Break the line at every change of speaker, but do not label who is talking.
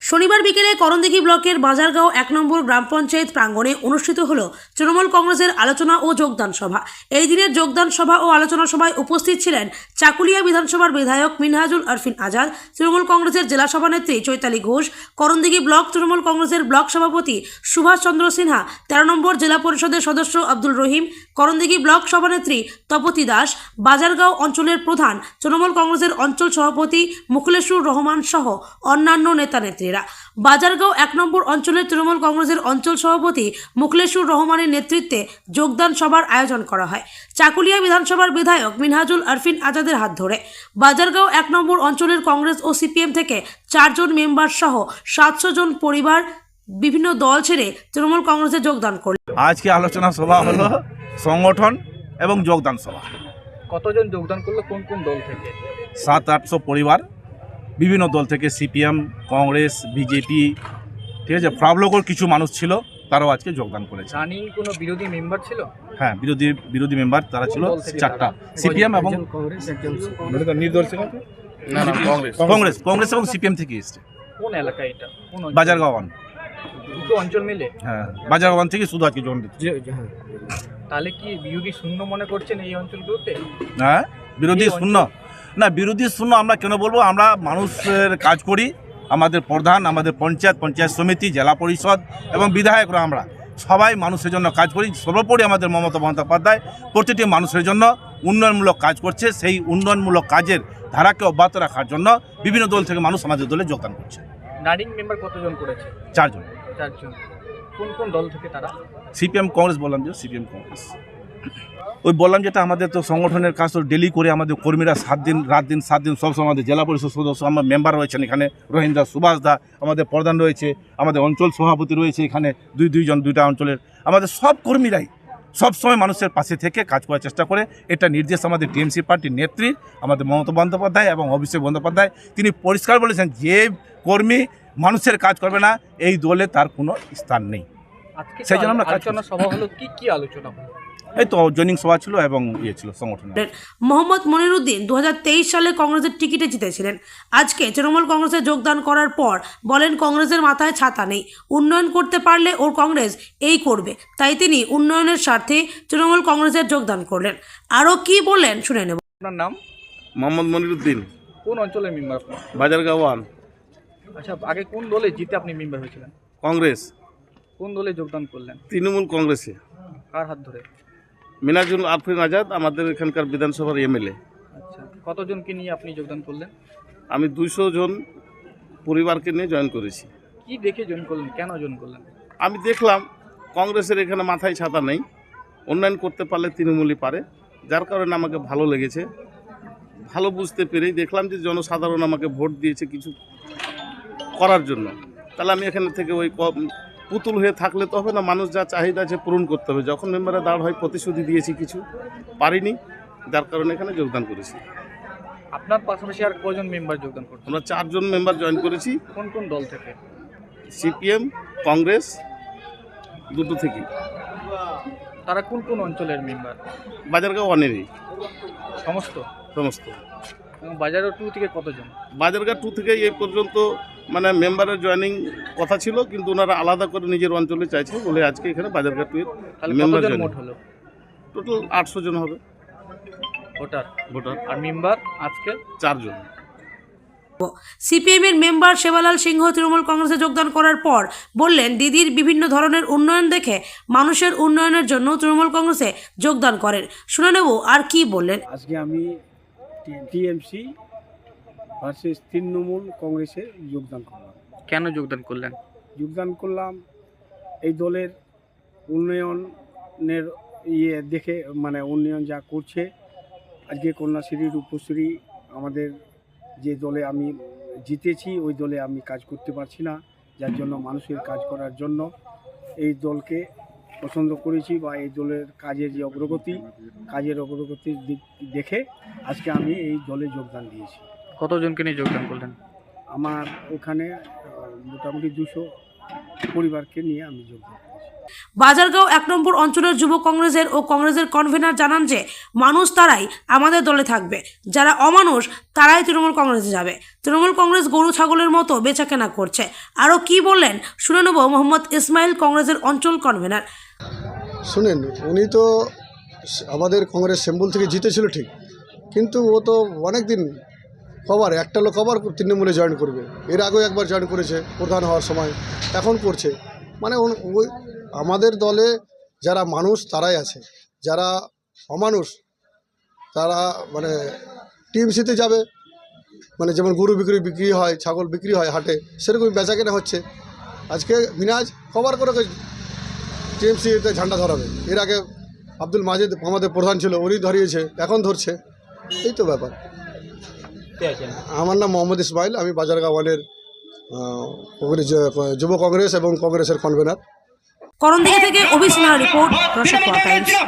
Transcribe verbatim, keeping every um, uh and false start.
শনিবার বিকেলে করণদিঘি ব্লকের বাজারগাঁও এক নম্বর গ্রাম পঞ্চায়েত প্রাঙ্গণে অনুষ্ঠিত হল তৃণমূল কংগ্রেসের আলোচনা ও যোগদান সভা। এই দিনের যোগদান সভা ও আলোচনা সভায় উপস্থিত ছিলেন চাকুলিয়া বিধানসভার বিধায়ক মিনহাজুল আরফিন আজাদ, তৃণমূল কংগ্রেসের জেলা সভানেত্রী চৈতালি ঘোষ, করণদিঘি ব্লক তৃণমূল কংগ্রেসের ব্লক সভাপতি সুভাষ চন্দ্র সিনহা, তেরো নম্বর জেলা পরিষদের সদস্য আব্দুল রহিম, করণদিঘি ব্লক সভানেত্রী তপতি দাস, বাজারগাঁও অঞ্চলের প্রধান তৃণমূল কংগ্রেসের অঞ্চল সভাপতি মুখলেসুর রহমান সহ অন্যান্য নেতা নেত্রীরা। বাজারগাঁও এক নম্বর অঞ্চলের তৃণমূল কংগ্রেসের অঞ্চল সভাপতি মুখলেসুর রহমানের নেতৃত্বে যোগদান সভার আয়োজন করা হয় চাকুলিয়া বিধানসভার বিধায়ক মিনহাজুল আরফিন আজাদের হাত ধরে। বাজারগাঁও এক নম্বর অঞ্চলের কংগ্রেস ও সিপিএম থেকে চারজন মেম্বার সহ সাতশো জন পরিবার বিভিন্ন দল ছেড়ে তৃণমূল কংগ্রেসে যোগদান করল।
আজকে আলোচনা সভা হলো সংগঠন এবং যোগদান সভা।
কতজন যোগদান করলো, কোন কোন দল থেকে?
সাত আটশো পরিবার বিভিন্ন দল থেকে, সিপিএম, কংগ্রেস, বিজেপি, ঠিক আছে, ফ্রাবলোকর কিছু মানুষ ছিল, তারাও আজকে যোগদান করেছে।
রানিং কোনো বিরোধী মেম্বার ছিল?
হ্যাঁ, বিরোধী বিরোধী মেম্বার তারা ছিল চারটা, সিপিএম এবং নির্দল ছিল কংগ্রেস কংগ্রেস এবং সিপিএম থেকে এসছে।
কোন এলাকা এটা? কোন
বাজারগাঁও
দুটো অঞ্চল মিলে?
হ্যাঁ, বাজারগাঁও থেকে শুধু আজকে যোগ দিচ্ছে।
তাহলে কি বিরোধী শূন্য মনে করছেন এই অঞ্চলগুলোতে?
হ্যাঁ, বিরোধী শূন্য না, বিরোধী শূন্য আমরা কেন বলবো? আমরা মানুষের কাজ করি, আমাদের প্রধান, আমাদের পঞ্চায়েত পঞ্চায়েত সমিতি, জেলা পরিষদ এবং বিধায়করা আমরা সবাই মানুষের জন্য কাজ করি। সর্বোপরি আমাদের মমতা বন্দ্যোপাধ্যায় প্রতিটি মানুষের জন্য উন্নয়নমূলক কাজ করছে। সেই উন্নয়নমূলক কাজের ধারাকে অব্যাহত রাখার জন্য বিভিন্ন দল থেকে মানুষ আমাদের দলে যোগদান করছে।
রানিং মেম্বার কতজন করেছে?
চারজন।
চারজন। কোন কোন দল থেকে তারা?
সিপিএম কংগ্রেস বললাম যে সিপিএম কংগ্রেস ওই বললাম যেটা আমাদের তো সংগঠনের কাজ তো ডেলি করে আমাদের কর্মীরা সাত দিন রাত দিন সাত দিন সবসময় আমাদের জেলা পরিষদ সদস্য আমার মেম্বার রয়েছেন এখানে, রহিম দা, সুভাষ দা, আমাদের প্রধান রয়েছে, আমাদের অঞ্চল সভাপতি রয়েছে এখানে, দুই দুইজন দুইটা অঞ্চলের আমাদের সব কর্মীরাই সবসময় মানুষের পাশে থেকে কাজ করার চেষ্টা করে। এটা নির্দেশ আমাদের টিএমসি পার্টির নেত্রী আমাদের মমতা বন্দ্যোপাধ্যায় এবং অভিষেক বন্দ্যোপাধ্যায়। তিনি পরিষ্কার বলেছেন যে কর্মী মানুষের কাজ করবে না এই দলে তার কোনো স্থান নেই।
সেই জন্য আমরা আলোচনা সভা হলো, কি কি আলোচনা হলো?
এই তো জয়নিং সভা ছিল এবং ইয়ে ছিল সংগঠন।
মোহাম্মদ মনিরুদ্দিন দু হাজার তেইশ সালে কংগ্রেসের টিকিটে জিতেছিলেন। আজকে তৃণমূল কংগ্রেসে যোগদান করার পর বলেন কংগ্রেসের মাথায় ছাতা নেই, উন্নয়ন করতে পারলে ওর কংগ্রেস এই করবে, তাই তিনি উন্নয়নের স্বার্থে তৃণমূল কংগ্রেসের যোগদান করলেন। আরও কি বললেন শুনে নেব।
আপনার নাম?
মোহাম্মদ মনিরুদ্দিন।
কোন অঞ্চলের মেম্বার আপনি?
বাজারগাঁও।
আচ্ছা, আগে কোন দলে জিতে আপনি মেম্বার হয়েছিলেন?
কংগ্রেস।
কোন দলে যোগদান করলেন?
তৃণমূল কংগ্রেসে।
কার হাত ধরে?
মিনহাজুল আরফিন আজাদ, আমাদের এখানকার বিধানসভার এমএলএ।
আচ্ছা, কতজনকে নিয়ে আপনি যোগদান করলেন?
আমি দুইশো জন পরিবারকে নিয়ে জয়েন করেছি।
কি দেখে জয়েন করলেন, কেন জয়েন করলেন?
আমি দেখলাম কংগ্রেসের এখানে মাথায় ছাতা নেই, উন্নয়ন করতে পারলে তৃণমূলই পারে, যার কারণে আমাকে ভালো লেগেছে। ভালো বুঝতে পেরেই দেখলাম যে জনসাধারণ আমাকে ভোট দিয়েছে কিছু করার জন্য, তাহলে আমি এখানে থেকে ওই পুতুল হয়ে থাকলে তো হবে না, মানুষ যা চাহিদা আছে পূরণ করতে হবে। যখন মেম্বারে দাঁড় হয় প্রতিশ্রুতি দিয়েছি, কিছু পারিনি, যার কারণে এখানে যোগদান করেছি।
আপনার পাশাপাশি আর কজন মেম্বার যোগদান করছেন?
আমরা চারজন মেম্বার জয়েন করেছি।
কোন কোন দল থেকে?
সিপিএম, কংগ্রেস, দুটো থেকে।
তারা কোন কোন অঞ্চলের মেম্বার?
বাজারগাঁও ওয়ানেরই
সমস্ত
সমস্ত।
এবং বাজারগাঁও টু থেকে কতজন?
বাজারগাঁও টু থেকে এই পর্যন্ত মানে মেম্বারের জয়েনিং কথা ছিল, কিন্তু ওনারা আলাদা করে নিজের অঞ্চলে চাইছে বলে আজকে এখানে বাজারগাঁও টু এর মেম্বার জয়েন হলো। টোটাল আটশো জন হবে
ভোটার
ভোটার
আর মেম্বার আজকে
চারজন।
সিপিএম এর মেম্বার সেবালাল সিংহ তৃণমূল কংগ্রেসে যোগদান করার পর বললেন দিদির বিভিন্ন ধরনের উন্নয়ন দেখে মানুষের উন্নয়নের জন্য তৃণমূল কংগ্রেসে যোগদান করেন। শুনে নেব আর কি বললেন।
আজকে আমি টিএমসি ভার্সেস তৃণমূল কংগ্রেসে যোগদান করলাম।
কেন যোগদান করলেন?
যোগদান করলাম এই দলের উন্নয়নের ইয়ে দেখে, মানে উন্নয়ন যা করছে। আজকে কন্যাশ্রী, রূপশ্রী, আমাদের যে দলে আমি জিতেছি ওই দলে আমি কাজ করতে পারছি না, যার জন্য মানুষের কাজ করার জন্য এই দলকে পছন্দ করেছি, বা এই দলের কাজের যে অগ্রগতি কাজের অগ্রগতির দিক দেখে আজকে আমি এই দলে যোগদান দিয়েছি।
কতজনকে নিয়ে যোগদান করলেন?
আমার ওখানে মোটামুটি দুশো পরিবারকে নিয়ে আমি যোগদান করেছি।
বাজারগাঁও এক নম্বর অঞ্চলের যুব কংগ্রেসের ও কংগ্রেসের কনভেনার জানান যে মানুষ তারাই আমাদের দলে থাকবে, যারা অমানুষ তারাই তৃণমূল কংগ্রেসে যাবে। তৃণমূল কংগ্রেস গরু ছাগলের মতো বেচাকেনা করছে। আরও কি বললেন শুনে নেব মোহাম্মদ ইসমাইল, কংগ্রেসের অঞ্চল কনভেনার।
শুনেন, উনি তো আমাদের কংগ্রেস সিম্বল থেকে জিতেছিল ঠিক, কিন্তু ও তো অনেক দিন কবার একটা লোক কবার তৃণমূলে জয়েন করবে। এর আগেও একবার জয়েন করেছে প্রধান হওয়ার সময়, এখন করছে। মানে ওই আমাদের দলে যারা মানুষ তারাই আছে, যারা অমানুষ তারা মানে টিএমসিতে যাবে। মানে যেমন গরু বিক্রি বিক্রি হয়, ছাগল বিক্রি হয় হাটে, সেরকমই বেচা কেনা হচ্ছে। আজকে মিনাজ কবার করে টিএমসিতে ঝান্ডা ধরাবে। এর আগে আব্দুল মাজেদ আমাদের প্রধান ছিল, উনি ধরিয়েছে, এখন ধরছে। এই তো ব্যাপার। আমার নাম মোহাম্মদ ইসমাইল, আমি বাজারগাঁও ওয়ানের যুব কংগ্রেস এবং কংগ্রেসের কনভেনার।
করণদিঘি থেকে অভিষেক রিপোর্ট, রসদ টাইমস।